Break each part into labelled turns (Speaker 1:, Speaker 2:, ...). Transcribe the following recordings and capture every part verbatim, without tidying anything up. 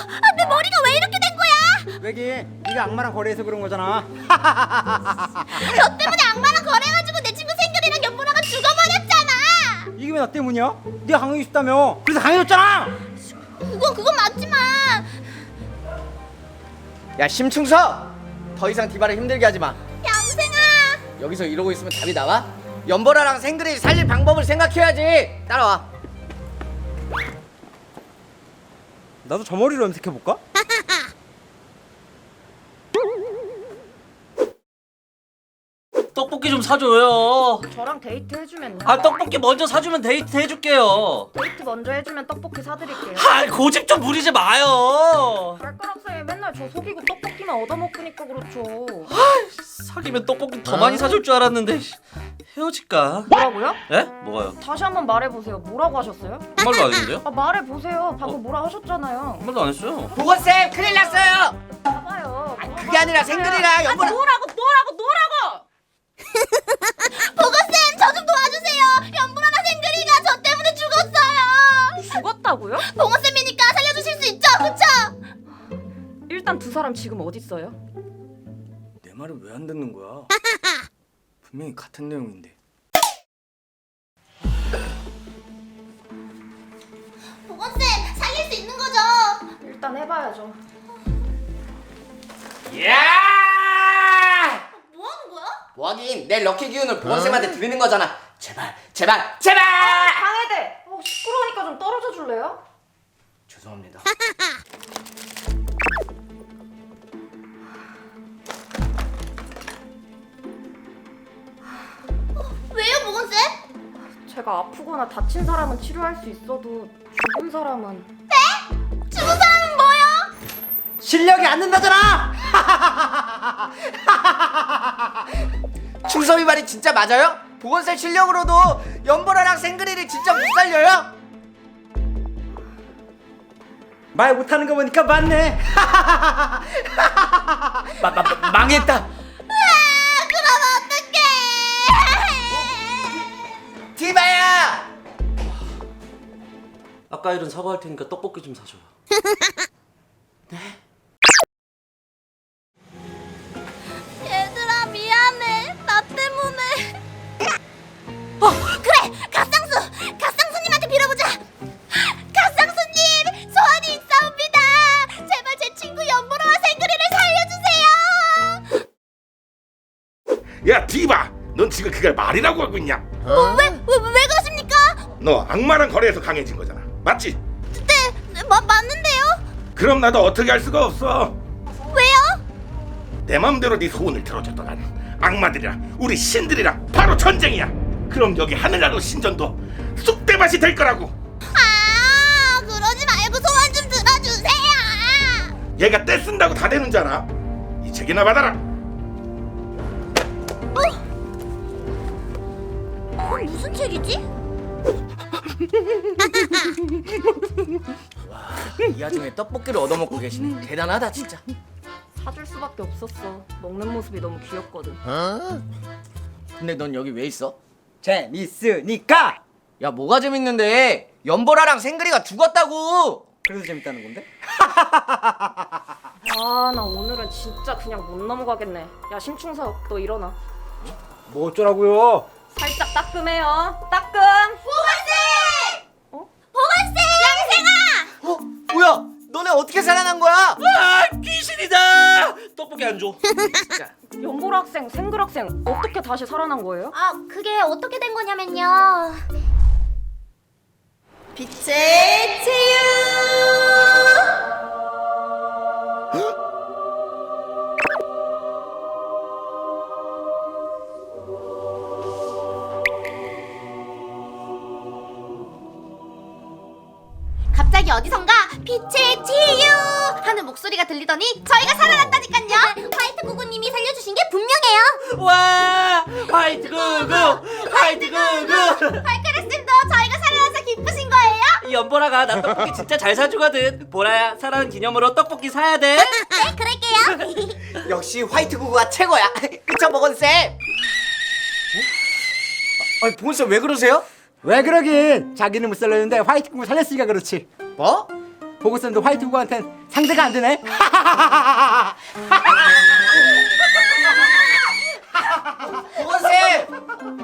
Speaker 1: 아, 내 머리가 왜 이렇게 된 거야?
Speaker 2: 왜기 네가 악마랑 거래해서 그런 거잖아.
Speaker 1: 너 때문에 악마랑 거래해가지고 내 친구 생글이랑 연보라가 죽어버렸잖아.
Speaker 2: 이게 왜 나 때문이야? 네가 강해지고 싶다며. 그래서 강해졌잖아.
Speaker 1: 그건 그건 맞지만.
Speaker 3: 야 심충서, 더 이상 디바를 힘들게 하지 마.
Speaker 1: 얌생아.
Speaker 3: 여기서 이러고 있으면 답이 나와? 연보라랑 생그리 살릴 방법을 생각해야지. 따라와.
Speaker 2: 나도 저 머리로 염색해볼까?
Speaker 4: 떡볶이 좀 사줘요.
Speaker 5: 저랑 데이트 해주면요.
Speaker 4: 아 떡볶이 먼저 사주면 데이트 해줄게요.
Speaker 5: 데이트 먼저 해주면 떡볶이 사드릴게요.
Speaker 4: 아 고집 좀 부리지 마요.
Speaker 5: 발가락사에 맨날 저 속이고 떡볶이만 얻어먹으니까 그렇죠.
Speaker 4: 사귀면 떡볶이 더 많이 사줄 줄 알았는데 헤어질까?
Speaker 5: 뭐라고요?
Speaker 4: 예? 뭐가요?
Speaker 5: 다시 한번 말해보세요. 뭐라고 하셨어요?
Speaker 4: 한 말도 안 했는데요?
Speaker 5: 아 말해보세요. 방금
Speaker 4: 어?
Speaker 5: 뭐라 하셨잖아요.
Speaker 4: 한 말도 안 했어요.
Speaker 3: 보건쌤 큰일 났어요.
Speaker 5: 봐봐요.
Speaker 3: 아니, 그게 아니라 생그리랑 연보라.
Speaker 5: 뭐라고 뭐라고 뭐라고!
Speaker 1: 보건쌤 저 좀 도와주세요. 연보라랑 생글이가 저 때문에 죽었어요.
Speaker 5: 죽었다고요?
Speaker 1: 보건쌤이니까 살려주실 수 있죠? 그쵸?
Speaker 5: 일단 두 사람 지금 어디 있어요?
Speaker 3: 내 말을 왜 안 듣는 거야? 분명히 같은 내용인데.
Speaker 1: 보건쌤 살릴 수 있는 거죠?
Speaker 5: 일단 해봐야죠.
Speaker 3: 야!
Speaker 1: 뭐 하는 거야?
Speaker 3: 뭐하긴 내 럭키 기운을 보건쌤한테 드리는 거잖아. 제발 제발 제발.
Speaker 5: 강해대! 어, 시끄러우니까 좀 떨어져 줄래요?
Speaker 3: 죄송합니다.
Speaker 1: 왜요 보건쌤?
Speaker 5: 제가 아프거나 다친 사람은 치료할 수 있어도 죽은 사람은
Speaker 1: 죽은 사람은 뭐요?
Speaker 2: 실력이 안 된다잖아.
Speaker 3: 충섭이 말이 진짜 맞아요? 보건쌤 실력으로도 연보라랑 생그리를 진짜 못 살려요?
Speaker 2: 말 못하는 거 보니까 맞네.
Speaker 3: 마, 마, 마, 망했다.
Speaker 1: 아, 그럼 어떡해?
Speaker 3: 디바야!
Speaker 4: 아까 일은 사과할 테니까 떡볶이 좀 사줘요.
Speaker 1: 얘들아 미안해. 나 때문에. 어 그래 갓상수 갓상수님한테 빌어보자. 갓상수님 소원이 있사옵니다. 제발 제 친구 연보라와 생그리를 살려주세요.
Speaker 6: 야 디바, 넌 지금 그걸 말이라고 하고 있냐?
Speaker 1: 어? 왜, 왜, 왜 그러십니까?
Speaker 6: 너 악마랑 거래해서 강해진 거잖아, 맞지?
Speaker 1: 네 마, 맞는데요?
Speaker 6: 그럼 나도 어떻게 할 수가 없어.
Speaker 1: 왜요?
Speaker 6: 내 맘대로 네 소원을 들어줬던 난 악마들이랑 우리 신들이랑 바로 전쟁이야. 그럼 여기 하늘나라 신전도 쑥대밭이 될 거라고.
Speaker 1: 아 그러지 말고 소원 좀 들어주세요.
Speaker 6: 얘가 떼 쓴다고 다 되는 줄 알아? 이 책이나 받아라.
Speaker 1: 어, 무슨 책이지?
Speaker 3: 이 와중에 떡볶이를 얻어먹고 계시네. 대단하다 진짜.
Speaker 5: 사줄 수밖에 없었어. 먹는 모습이 너무 귀엽거든.
Speaker 3: 근데 넌 여기 왜 있어?
Speaker 2: 재밌으니까.
Speaker 3: 야 뭐가 재밌는데? 연보라랑 생그리가 죽었다고.
Speaker 2: 그래서 재밌다는 건데?
Speaker 5: 아 나 오늘은 진짜 그냥 못 넘어가겠네. 야 심충석 너 일어나.
Speaker 2: 뭐 어쩌라고요?
Speaker 5: 살짝 따끔해요. 따끔.
Speaker 1: 보건쌤!
Speaker 5: 어?
Speaker 1: 보건쌤! 양생아!
Speaker 3: 어? 뭐야? 너네 어떻게 살아난 거야?
Speaker 4: 아 귀신이다. 떡볶이 안 줘.
Speaker 3: 진짜.
Speaker 5: 연보라 학생, 생글 학생 어떻게 다시 살아난 거예요?
Speaker 1: 아 그게 어떻게 된 거냐면요. 빛의 치유! 갑자기 어디선가 빛의 치유 하는 목소리가 들리더니 저희가 살아났다니깐요. 화이트 구구님이 살려주신 게 분명해요.
Speaker 4: 와 화이트 구구 화이트 구구.
Speaker 1: 발가락쌤도 저희가 살아나서 기쁘신 거예요?
Speaker 4: 연보라가 나 떡볶이 진짜 잘 사주거든. 보라야 사랑하는 기념으로 떡볶이 사야 돼.
Speaker 1: 네 그럴게요.
Speaker 3: 역시 화이트 구구가 최고야. 그쵸 보건쌤? 어? 아니 보건쌤 왜 그러세요?
Speaker 2: 왜 그러긴? 자기는 못 살렸는데 화이트 꿈을 살렸으니까 그렇지.
Speaker 3: 뭐?
Speaker 2: 보고쌤도 화이트 구구한텐 상대가 안 되네.
Speaker 3: 보건쌤!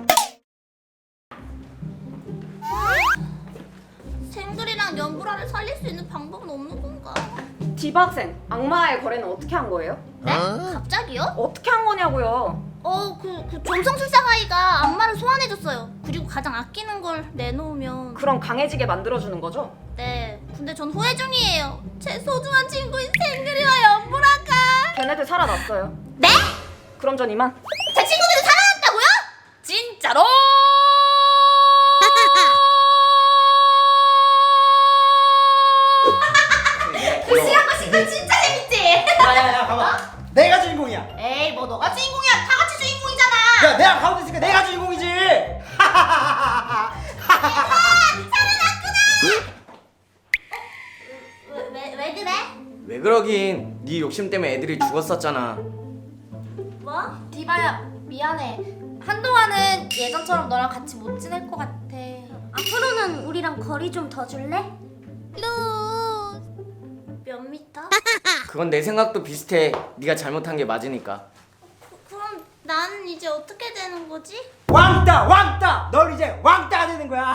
Speaker 1: 생글이랑 연보라를 살릴 수 있는 방법은 없는 건가?
Speaker 5: 디바 학생, 악마의 거래는 어떻게 한 거예요?
Speaker 1: 네? 갑자기요?
Speaker 5: 어떻게 한 거냐고요?
Speaker 1: 어, 그, 그 점성술사가이가 악마를 소환해줬어요. 그리고 가장 아끼는 걸 내놓으면
Speaker 5: 그럼 강해지게 만들어주는 거죠?
Speaker 1: 네. 근데 전 후회 중이에요. 제 소중한 친구인 생글이와 연보라가.
Speaker 5: 걔네들 살아났어요.
Speaker 1: 네?
Speaker 5: 그럼 전 이만.
Speaker 1: 제 친구들이 살아났다고요? 진짜로? 그 시간 거신 건 진짜 재밌지?
Speaker 2: 야야야 가만. 내가 주인공이야.
Speaker 1: 에이, 뭐 너가 주인공이야. 다 같이 주인공이잖아.
Speaker 2: 야 내가 가운데 있으니까 내가 주인공이지.
Speaker 1: 왜, 왜, 왜 그래?
Speaker 3: 왜 그러긴 네 욕심 때문에 애들이 죽었었잖아.
Speaker 1: 뭐? 디바야, 미안해. 한동안은 예전처럼 너랑 같이 못 지낼 것 같아. 앞으로는 우리랑 거리 좀 더 줄래? 루... 몇 미터?
Speaker 3: 그건 내 생각도 비슷해. 네가 잘못한 게 맞으니까.
Speaker 1: 그, 그럼 나는 이제 어떻게 되는 거지?
Speaker 2: 왕따 왕따. 널 이제 왕따가 되는 거야.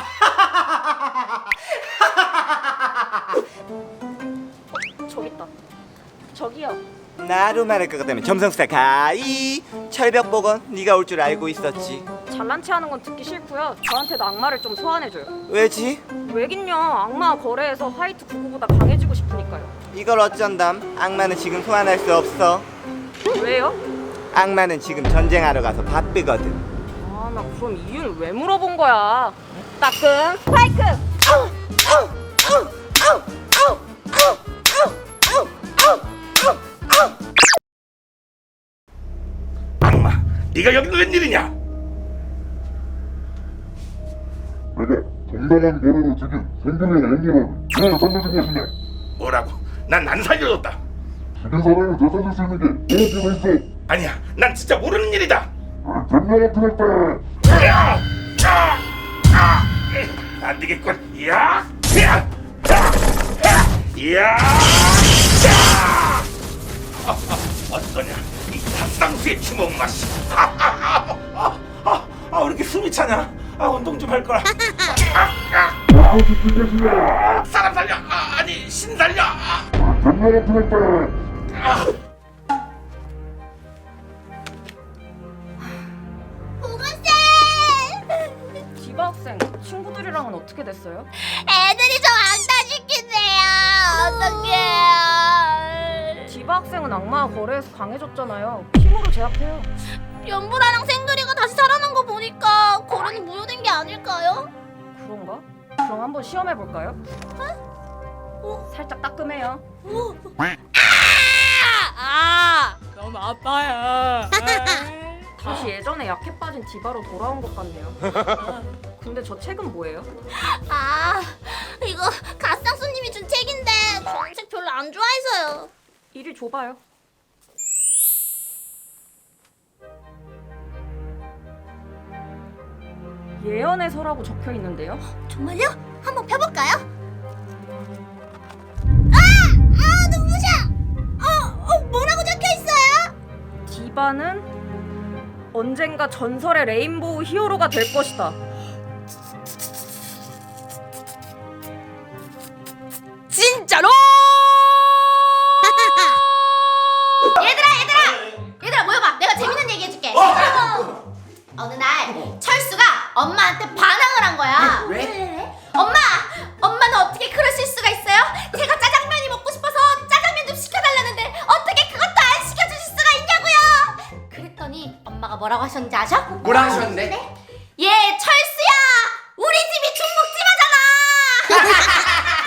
Speaker 5: 저기 있다. 저기요.
Speaker 7: 나로 말할 것 같다면 점성사 가이 철벽보건 네가 올 줄 알고 있었지.
Speaker 5: 잘난 체 하는 건 듣기 싫고요. 저한테도 악마를 좀 소환해줘요.
Speaker 7: 왜지?
Speaker 5: 왜긴요. 악마 거래에서 화이트 구구보다 강해지고 싶으니까요.
Speaker 7: 이걸 어쩐담? 악마는 지금 소환할 수 없어.
Speaker 5: 왜요?
Speaker 7: 악마는 지금 전쟁하러 가서 바쁘거든.
Speaker 5: 아, 나 그럼 이유는 왜 물어본 거야? 따끔 스파이크!
Speaker 6: 악마, 네가 여기 웬일이냐?
Speaker 8: 내가 정당한 거래로 죽인 생존이나 연기를 왜 살려준 것이냐?
Speaker 6: 뭐라고? 난 안 살려줬다.
Speaker 8: 죽인 사람을 되살릴 수 있는 게 무엇이가 있어?
Speaker 6: 아니야, 난 진짜 모르는 일이다.
Speaker 8: 전략을 틀었다.
Speaker 6: 야! 야! 아! 안 되겠군. 야! 야! 야! 야! 야! 아, 아, 어떠냐? 이 닭상수의 주먹 맛이. 아, 아, 아, 아, 아, 왜 이렇게 숨이 차냐? 아, 운동 좀 할 거라. 아, 아,
Speaker 8: 무엇이 죽인 것이냐?
Speaker 6: 아, 사람 살려. 아, 아니, 신 살려. 아,
Speaker 8: 전략을 틀었다.
Speaker 6: 아.
Speaker 1: 보건쌤!
Speaker 5: 디바 학생, 친구들이랑은 어떻게 됐어요?
Speaker 1: 애들이 저 왕따시킨대요. 어떡해요.
Speaker 5: 디바 학생은 악마 거래에서 강해졌잖아요. 힘으로 제압해요.
Speaker 1: 연보라랑 생글이가 다시 살아난 거 보니까 거래는 무효된 게 아닐까요?
Speaker 5: 그런가? 그럼 한번 시험해볼까요? 어? 살짝 따끔해요.
Speaker 1: 아!
Speaker 5: 너무 아파요. 다시 예전에 약해 빠진 디바로 돌아온 것 같네요. 근데 저 책은 뭐예요?
Speaker 1: 아, 이거 갓상수님이 준 책인데 저는 책 별로 안 좋아해서요.
Speaker 5: 이리 줘봐요. 예언의 서라고 적혀 있는데요.
Speaker 1: 정말요? 한번 펴볼까요? 아! 아, 눈부셔! 어, 어, 뭐라고 적혀 있어요?
Speaker 5: 디바는 언젠가 전설의 레인보우 히어로가 될 것이다.
Speaker 1: 진짜로? 얘들아, 얘들아! 얘들아, 모여봐. 내가 재밌는 얘기 해줄게. 어느 날 철수가 엄마한테 반항을 한 거야. 왜? 왜? 엄마! 엄마는 어떻게 그럴 수가 있어요? 제가 짜장면이 먹고 싶어서 짜장면 좀 시켜달라는데 어떻게 그것도 안 시켜주실 수가 있냐고요? 그랬더니 엄마가 뭐라고 하셨는지 아셔?
Speaker 3: 뭐라 하셨는데?
Speaker 1: 얘 철수야! 우리 집이 중국집하잖아!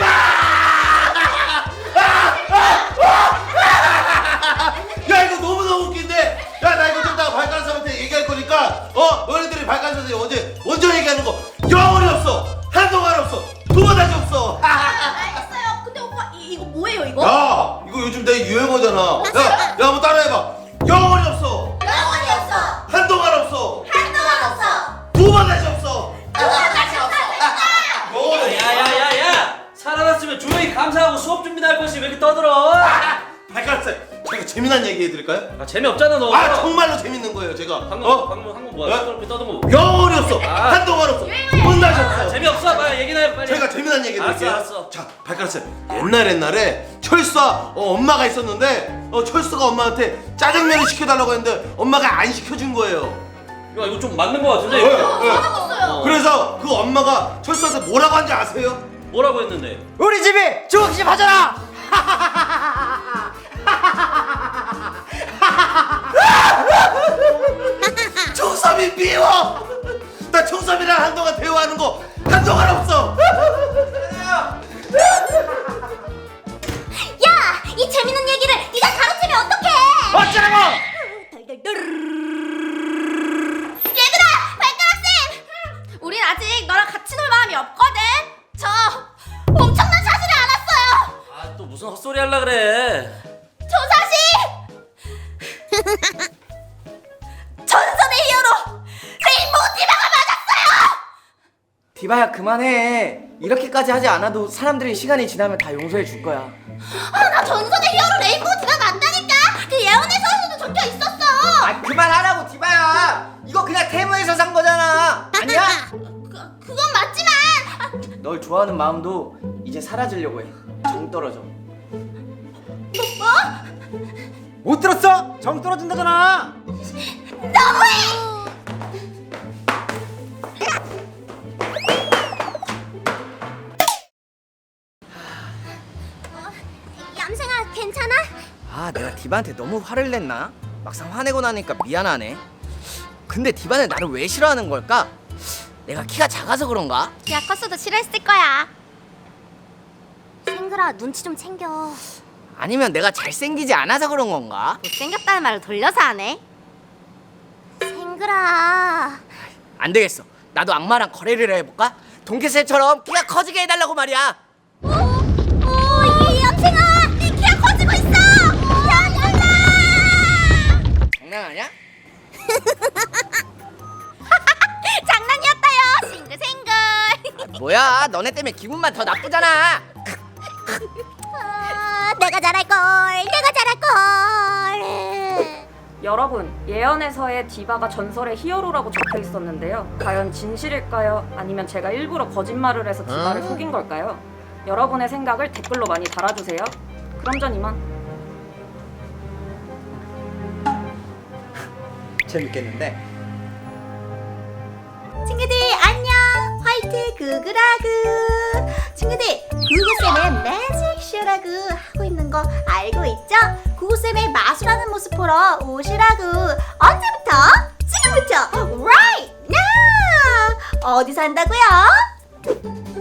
Speaker 9: 야 이거 너무너무 웃긴데. 야 나 이거 좀 이따가 발간사한테 얘기할 거니까 어 너희들이 발간사한테 어제 먼저 얘기하는 거 영원히 없어. 한동안 없어. 두 번 다시 없어.
Speaker 1: 알겠어요. 근데 오빠 이, 이거 뭐예요 이거?
Speaker 9: 야 이거 요즘 내 유행어잖아. 야야 한번 따라해봐. 영원히 없어.
Speaker 1: 영원히 없어!
Speaker 9: 한동안 없어.
Speaker 1: 한동안 없어!
Speaker 9: 두 번 다시 없어.
Speaker 1: 두번 다시 없어!
Speaker 9: 영원히
Speaker 4: 야야야야! 살아났으면 조용히 감사하고 수업 좀 이렇게 떠들어?
Speaker 9: 발가락살. 제가 재미난 얘기 해드릴까요?
Speaker 4: 아 재미없잖아 너.
Speaker 9: 아 정말로 재밌는 거예요 제가.
Speaker 4: 방금
Speaker 9: 어?
Speaker 4: 방금 한거 뭐야?
Speaker 9: 어?
Speaker 4: 떠들고 떠든 거.
Speaker 9: 영혼이 없어.
Speaker 4: 아.
Speaker 9: 한동안 없어. 혼나셨어.
Speaker 4: 아, 재미없어. 빨리 얘기나 해 빨리.
Speaker 9: 제가 재미난 얘기 해드릴게요.
Speaker 4: 알았어, 알았어.
Speaker 9: 자 발가락살. 옛날 옛날에 철수와 어, 엄마가 있었는데 어, 철수가 엄마한테 짜장면을 시켜달라고 했는데 엄마가 안 시켜준 거예요.
Speaker 4: 야 이거 좀 맞는 거 같은데.
Speaker 9: 네,
Speaker 4: 이거?
Speaker 9: 네.
Speaker 1: 먹었어요.
Speaker 9: 그래서 그 엄마가 철수한테 뭐라고 한지 아세요?
Speaker 4: 뭐라고 했는데?
Speaker 3: 우리 집이 중국집 하잖아.
Speaker 9: 청삼이 미워. 나 청삼이랑 한동안 대화하는 거 한동안 없어.
Speaker 1: 야, 이 재밌는 얘기를 네가 가로채면 어떡해?
Speaker 3: 어쩌라고?
Speaker 1: 얘들아, 발가락쌤! 우린 아직 너랑 같이 놀 마음이 없거든. 저 엄청난 사실을 알았어요.
Speaker 4: 아 또 무슨 헛소리 하려 그래?
Speaker 1: 저 사실 전설의 히어로 레인보우 디바가 맞았어요.
Speaker 3: 디바야 그만해. 이렇게까지 하지 않아도 사람들이 시간이 지나면 다 용서해 줄 거야.
Speaker 1: 아, 나 전설의 히어로 레인보우 디바 맞다니까. 그 예언에서도 적혀 있었어.
Speaker 3: 아 그만하라고 디바야. 이거 그냥 테무에서 산 거잖아. 아니야?
Speaker 1: 그, 그건 맞지만 아,
Speaker 3: 널 좋아하는 마음도 이제 사라지려고 해. 정 떨어져.
Speaker 1: 뭐?
Speaker 2: 못 들었어? 정 떨어진다잖아.
Speaker 1: 너무해. 어, 얌생아, 괜찮아?
Speaker 3: 아 내가 디바한테 너무 화를 냈나? 막상 화내고 나니까 미안하네. 근데 디바는 나를 왜 싫어하는 걸까? 내가 키가 작아서 그런가?
Speaker 1: 야, 컸어도 싫어했을 거야. 생글아, 눈치 좀 챙겨.
Speaker 3: 아니면 내가 잘생기지 않아서 그런 건가?
Speaker 1: 못생겼다는 말을 돌려서 하네. 생글아.
Speaker 3: 안 되겠어. 나도 악마랑 거래를 해볼까? 돈키스처럼 키가 커지게 해달라고 말이야.
Speaker 1: 어? 어, 이 얌생아, 네 키가 커지고 있어. 얌생아.
Speaker 3: 장난하냐?
Speaker 1: 장난이었다요. 싱글싱글.
Speaker 3: 뭐야 너네 때문에 기분만 더 나쁘잖아.
Speaker 1: 아, 내가 잘할걸. 내가 잘할걸.
Speaker 5: 여러분, 예언에서의 디바가 전설의 히어로라고 적혀 있었는데요. 과연 진실일까요? 아니면 제가 일부러 거짓말을 해서 디바를 속인 걸까요? 여러분의 생각을 댓글로 많이 달아주세요. 그럼 전 이만.
Speaker 3: 재밌겠는데?
Speaker 1: 친구들 안녕. 화이트 구구라구. 친구들, 구구쌤의 매직쇼라고 하고 있는 거 알고 있죠? 구구쌤의 마술하는 모습 보러 오시라고. 언제부터? 지금부터 right now. 어디서 한다고요?